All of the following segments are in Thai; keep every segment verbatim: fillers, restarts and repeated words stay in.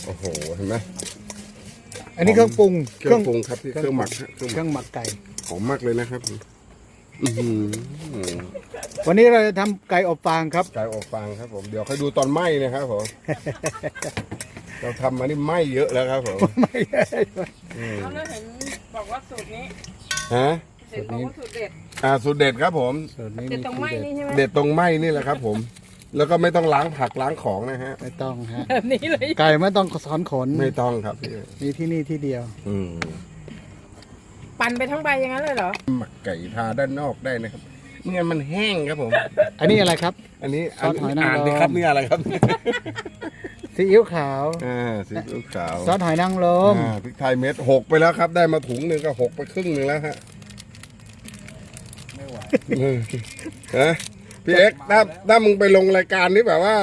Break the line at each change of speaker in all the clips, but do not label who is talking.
โอ้โหเห็นไหม
อันนี้เครื่องปรุง
เครื่องปรุงครับเครื่องหมักเค
รื่องหมักไก่
หอมมากเลยนะครับ
วันนี้เราจะทำไก่อบฟางครับ
ไก่อบฟางครับผมเดี๋ยวค่อยดูตอนไหม้นะครับผมเราทำมานี่ไหม้เยอะแล้วครับผม
ไม่ได้
เขาเห็นบอกว่าสูตรนี้
ฮะ
สูตรนี้สูตรเด็ด
อ่าสูตรเด็ดครับผม
เด็ดตรงไหม้นี่ใช่ไหม
เด็ดตรงไหม้นี่แหละครับผมแล้วก็ไม่ต้องล้างผักล้างของนะฮะ
ไม่ต้องฮะ
แบบนี้เลย
ไก่ไม่ต้องสอนขน
ไม่ต้องครับ
มีที่นี่ที่เดียว
อืม
ปั่นไปทั้งใบอย่างนั้นเลยเหรอ
หมักไก่ทาด้านนอกได้นะครับไม่งั้นมันแห้งครับผม
อันนี้อะไรครับ
อันนี้
ซอสหอยนางรม
ครับนี่อะไรครับ
ซีอิ๊วขาว
อ่าซีอิ๊วขาว
ซอสหอยนางรม
อ่าพริกไทยเม็ดหกไปแล้วครับได้มาถุงหนึ่งก็หกไปครึ่งหนึ่งแล้วฮะ
ไม่ไหว
ฮะพี่เอ็กซ์ถ้าถ้ามึงไปลงรายการนี้แบบว่า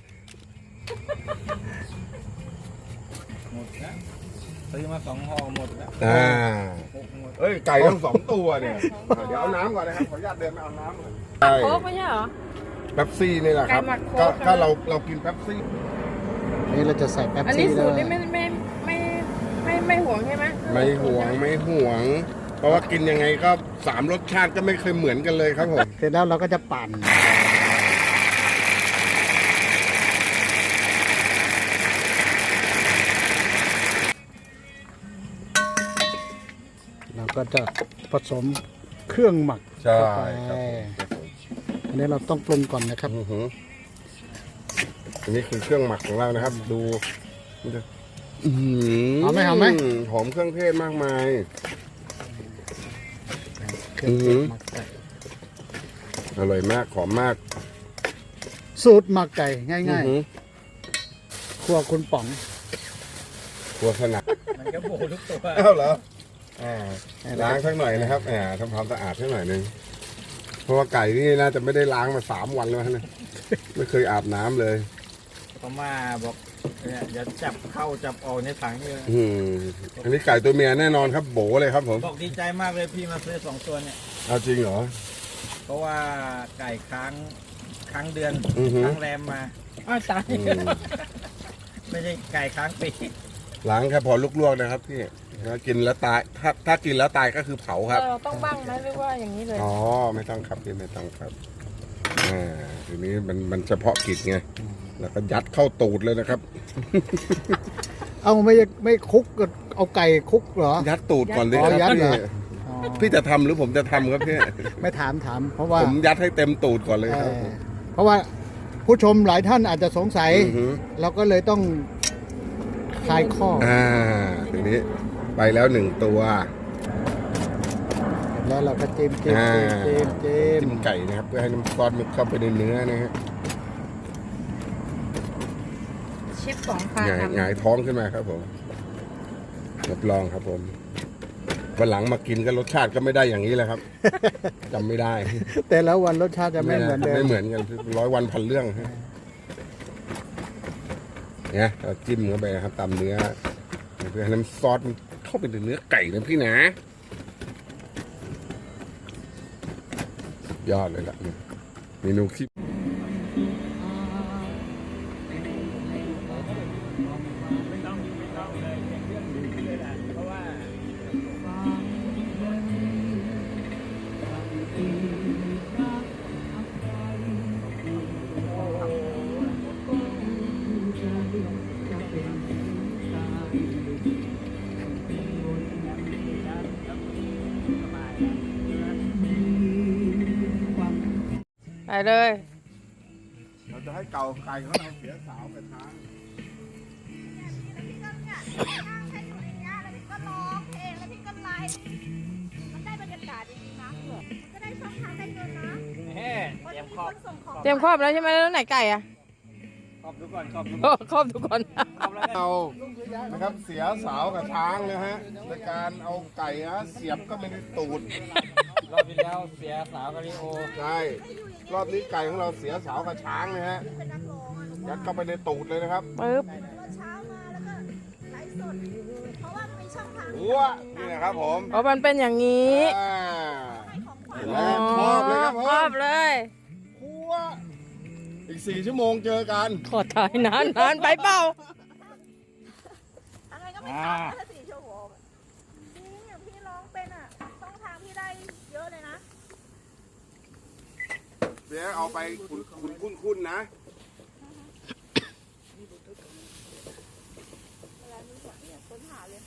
หมดนะซื้อมาสองห่อหมดแล้ว
อ่าเอ้ยไก่ทั้งสองตัวเนี่ยเดี๋ยวเอาน้ำก่อนนะครับขออนุญาตเดินมาเอาน้ำก่อน
โค้กไม่ใช่เหรอ
เป๊ปซี่นี่แหละครับก็ถ้าเราเรากินเป๊ปซี่
นี่เราจะใส่แป๊บซี่
อันนี้สูตรนี่ไม่ไม่ไม่ไม่ไม่ห่วงใช่ไหม
ไม่ห่วงไม่ห่วงเพราะว่ากินยังไงก็สามรสชาติก็ไม่เคยเหมือนกันเลยครับผม
เสร็จแล้วเราก็จะปั่นเราก็จะผสมเครื่องหมัก
ใช่ครับ
อันนี้เราต้องปรุงก่อนนะครับ
อันนี้คือเครื่องหมักของเรานะครับดู
หอมไหมหอมไหม
หอมเครื่องเทศมากมาย
เครื่องเทศหมักไก่
อร่อยมากหอมมาก
สูตรหมักไก่ง่ายๆครัวคุณป๋อง
ครัวขนาด
มันก็โบทุกตัว
เอ้าเหรอล้างสักหน่อยนะครับแหมทำความสะอาดสักหน่อยนึงเพราะว่าไก่นี่น่าจะไม่ได้ล้างมาสามวันแล้วนะไม่เคยอาบน้ำเลย
เขามาบอกเนี่ยอย่าจับเข้าจับออกในถังนี่
อืมอันนี้ไก่ตัวเมียแน่นอนครับโบเลยครับผม
บอกดีใจมากเลยพี่มาซื้อสองตัวเนี่ย
เอาจริงเหรอ
เพราะว่าไก่ค้างค้างเดือนค้างแรมมา
อ้าวตาย
ไม่ใช่ไก่ค้างปี
ล้างแค่พอลวกๆนะครับพี่ถ้ากินแล้วตายถ้าถ้ากินแล้วตายก็คือเผาครับ
ต้องบ้างไหมหรือว่าอย่างนี้เลย
อ๋อไม่ต้องครับพี่ไม่ต้องครับอ่าทีนี้มันมันเฉพาะกิจไงแล้วก็ยัดเข้าตูดเลยนะครับ
เอาไม่ไม่คุกก็เอาไก่คุกเหรอ
ยัดตูดก่อนเลยครับพี่พี่จะทำหรือผมจะทำครับพี่
ไม่ถามถามเพราะว่า
ผมยัดให้เต็มตูดก่อนเลยครับ
เพราะว่าผู้ชมหลายท่านอาจจะสงสัยเราก็เลยต้องคลายข้อ
อ่าทีนี้ไปแล้วหนึ่งตัว
แล้วเราก็จิ้มจิ้มจิ้มจิ้ม
จิ้มไก่นะครับเพื่อให้น้ำซอสมันเข้าไปในเนื้อนะฮะ
เชฟป๋องพา
หงายหงายท้องขึ้นมาครับผมรับรองครับผมวันหลังมากินก็รสชาติก็ไม่ได้อย่างนี้แหละครับจำไม่ได้
แต่แล้ววันรสชาติจะไม่เหมือนเดิม
ไม่เหมือนกันร้อยวันพันเรื่องเนี่ยเราจิ้มเข้าไปนะครับตามเนื้อเพื่อให้น้ำซอสมันเข้าไปในเนื้อไก่นะพี่นะยอดเลยล่ะเมนูคิด
ไปเลย
เราจะให้เก่าไก่ของเราเสียสาวไปทาง
เตรียมครอบแล้วใช่ไหมแล้วไหนไก่อะ
ครอบทุกคนครอบทุก
คนครอบทุกคน
เรานะครับเสียสาวกับช้างนะฮะในการเอาไก่นะเสียบก็ไม่ได้ตูด
รอบที่แล้วเสียสาวกับลิโอ
ใช่รอบนี้ไก่ของเราเสียสาวกับช้างนะฮะยัดเข้าไปในตูดเลยนะครับ
ปึ๊บ
หัวนี่นะครับผม
เพราะมันเป็นอย่างนี้
ครอบเลยครับผม
ครอบเลย
หัวอีกสี่ชั่วโมงเจอกัน
ขอถ่ายนานนานไปเปล่า
อ่า
สี่ชั่วโมงจริงอย่างพี่ร้องเป็นอ่ะช่องทางพี่ได้เยอะเลยนะ
เดี๋ยวเอาไปคุณคุณคุ้นคุ้นๆนะ
เวลามีหัวเนี่ยค้นหาเลย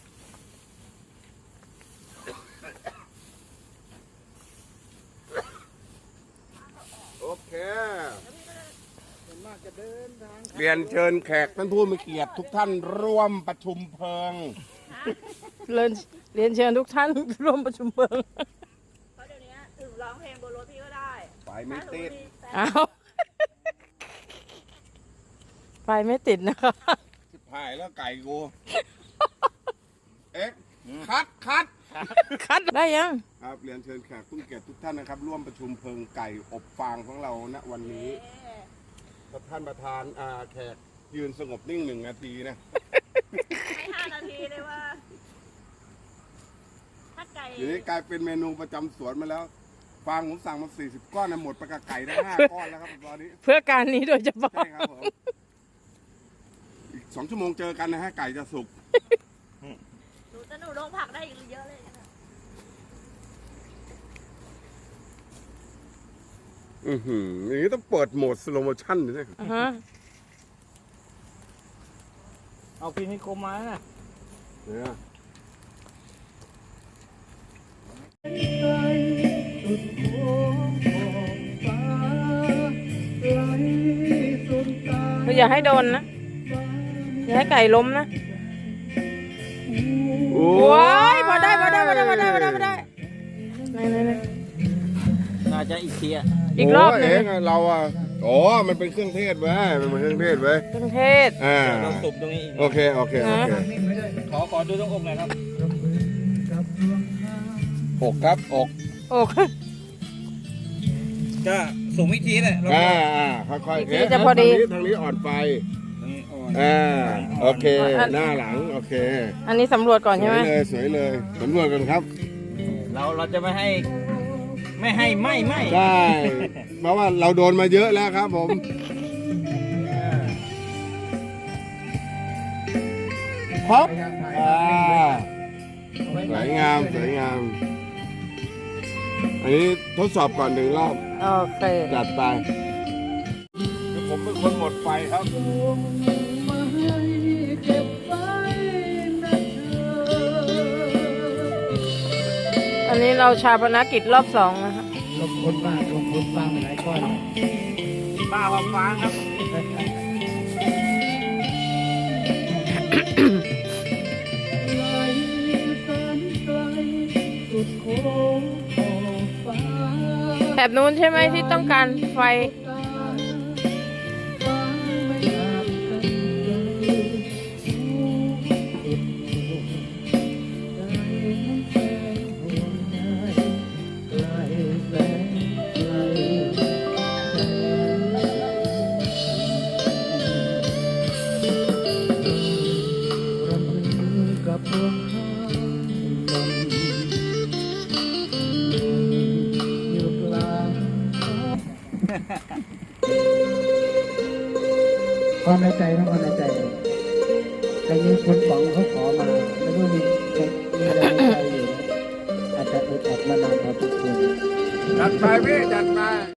โอเค
ส่วนมากจะเดินทาง
เรียนเชิญแขกท่านผู้มีเกียรติทุกท่านร่วมประชุมเพลิง
เรียนเรียนเชิญทุกท่าน ร่วมประชุมเพลิง
เพราะเดี๋ยวนี้ถึงร้องเพลงบนรถพี่ก็ได้
ไฟไม่ติด
อ้าวไฟไม่ติดนะคะ
ชิบหายแล้วไก่กู เอ๊ะคัดคัด
คัดได้ยัง
ครับเรียนเชิญแขกผู้มีเกียรติทุกท่านนะครับ ร่วมประชุมเพลิงไก่อบฟางของเราณวันนี้ท่านประธานอ่าแขกยืนสงบนิ่งหนึ่งนาทีนะ
ให้ห้านาทีเลยว่า ถ้าไก่
ทีนี้กลายเป็นเมนูประจำสวนมาแล้ว ฟางผมสั่งมาสี่สิบก้อนนะหมดไปกับไก่ทั้งห้าก้อนแล้วครับตอนนี้
เพื่อการนี้โดยเฉพาะ
ใช่ครับผม อีกสองชั่วโมงเจอกันนะฮะไก่จะสุก
หนูจะหนูลงผักได้อีกเยอะเลยนะ
อือหืออย่างนี้ต้องเปิดโหมดสโลโมชั่นเลยนะ
อ่าฮะ
เอาพิมพ์ให้คมมานะ
เนี่ย
คืออย่าให้โดนนะ อย่าให้ไก่ล้มนะ
โอ้
ว้ายพอได้พอได้พอได้พอได้พอได้พอได้ไหนไหนไหน
น่าจะอีกทีอ่ะ
อีกรอบหนึ่ง
โเงเราอ่ะอ๋อมันเป็นเครื่องเทศเว้ยมันเป็นเครื่องเทศเว้ย
เครื่องเทศ
อ่า
เราตุบตรงนี้อีก
โอเค โอเค โอเค
ขอขอดูตรงอกหน่อยครับ
อกครับ อก
โอ้
ก็สูงวิธีเลยเรา
อ่าอ่าค่อยๆ
อีกทีจะพอดี
ทางนี้ทางนี้อ่อนไป
ตรงนี้อ่อน
อ่า โอเค หน้าหลัง โอเค
อันนี้สำรวจก่อน
ส
ใช่
ว
ไหม
ยเลย สวยเลยสำรวจกันครับ
เราเราจะไม่ให้ ไม่ให้ไหม้ไหม้
ใช่ เพราะว่าเราโดนมาเยอะแล้วครับผม พับอ่าสวยงาม สวยงาม อันนี้ทดสอบก่อนหนึ่งรอบ
โอเค
จัดไปคือผมเป็นคนหมดไฟครับ
อันนี้เราชาปนกิจรอบสองนะคะ
ลงคนบ้างลงคนบ้างหลายก้อน
ป้าว่าฟ้าครับ
แถบนู้นใช่ไหมที่ต้องการไฟ
ความในใจนะความในใจแต่มีคนฝังเขาขอมาแล้วก็มีมีอะไรในใจอยู่อาจจะอึดอัดมานานพอสมควร
จัดไปพี่ จัดไป